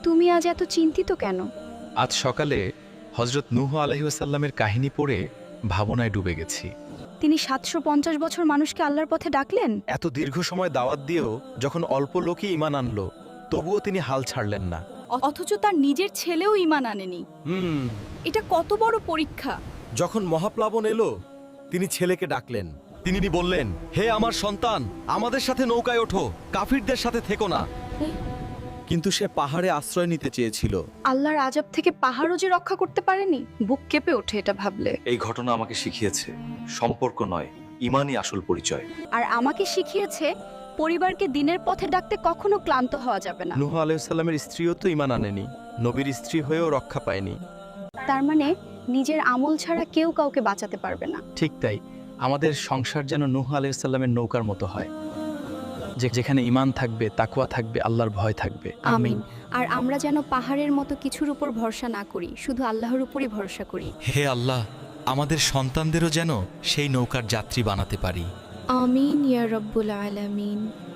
তুমি আজ এত চিন্তিত কেন? আজ সকালে হজরত নূহ আলাইহিসসালামের কাহিনী পড়ে ভাবনায় ডুবে গেছি। তিনি 750 বছর মানুষকে আল্লাহর পথে ডাকলেন। এত দীর্ঘ সময় দাওয়াত দিয়েও যখন অল্প লোকই ঈমান আনলো, তবুও তিনি হাল ছাড়লেন না। অথচ তার নিজের ছেলেও ঈমান আনেনি। এটা কত বড় পরীক্ষা! যখন মহাপ্লাবন এলো, তিনি ছেলেকে ডাকলেন। তিনি বললেন, হে আমার সন্তান, আমাদের সাথে নৌকায় ওঠো, কাফিরদের সাথে থেকো না। কিন্তু সে পাহাড়ে আশ্রয় নিতে চেয়েছিল। আল্লাহর আযাব থেকে পাহাড়ও যে রক্ষা করতে পারেনি, বুক কেঁপে ওঠে এটা ভাবলে। এই ঘটনা আমাকে শিখিয়েছে সম্পর্ক নয়, ঈমানই আসল পরিচয়। আর আমাকে শিখিয়েছে পরিবারকে দিনের পথে ডাকতে কখনো ক্লান্ত হওয়া যাবে না। নূহ আলাইহিসসালামের স্ত্রীও তো ঈমান আনেনি, নবীর স্ত্রী হয়েও রক্ষা পায়নি। তার মানে নিজের আমল ছাড়া কেউ কাউকে বাঁচাতে পারবে না। ঠিক তাই, আমাদের সংসার যেন নূহ আলাইহিসসালামের নৌকার মতো হয়, যেখানে ঈমান থাকবে, তাকওয়া থাকবে, আল্লাহর ভয় থাকবে। আমিন। আর আমরা যেন পাহাড়ের মতো কিছুর উপর ভরসা না করি, শুধু আল্লাহর উপরই ভরসা করি। হে আল্লাহ, আমাদের সন্তানদেরও যেন সেই নৌকার যাত্রী বানাতে পারি। আমিন ইয়া রাব্বুল আলামিন।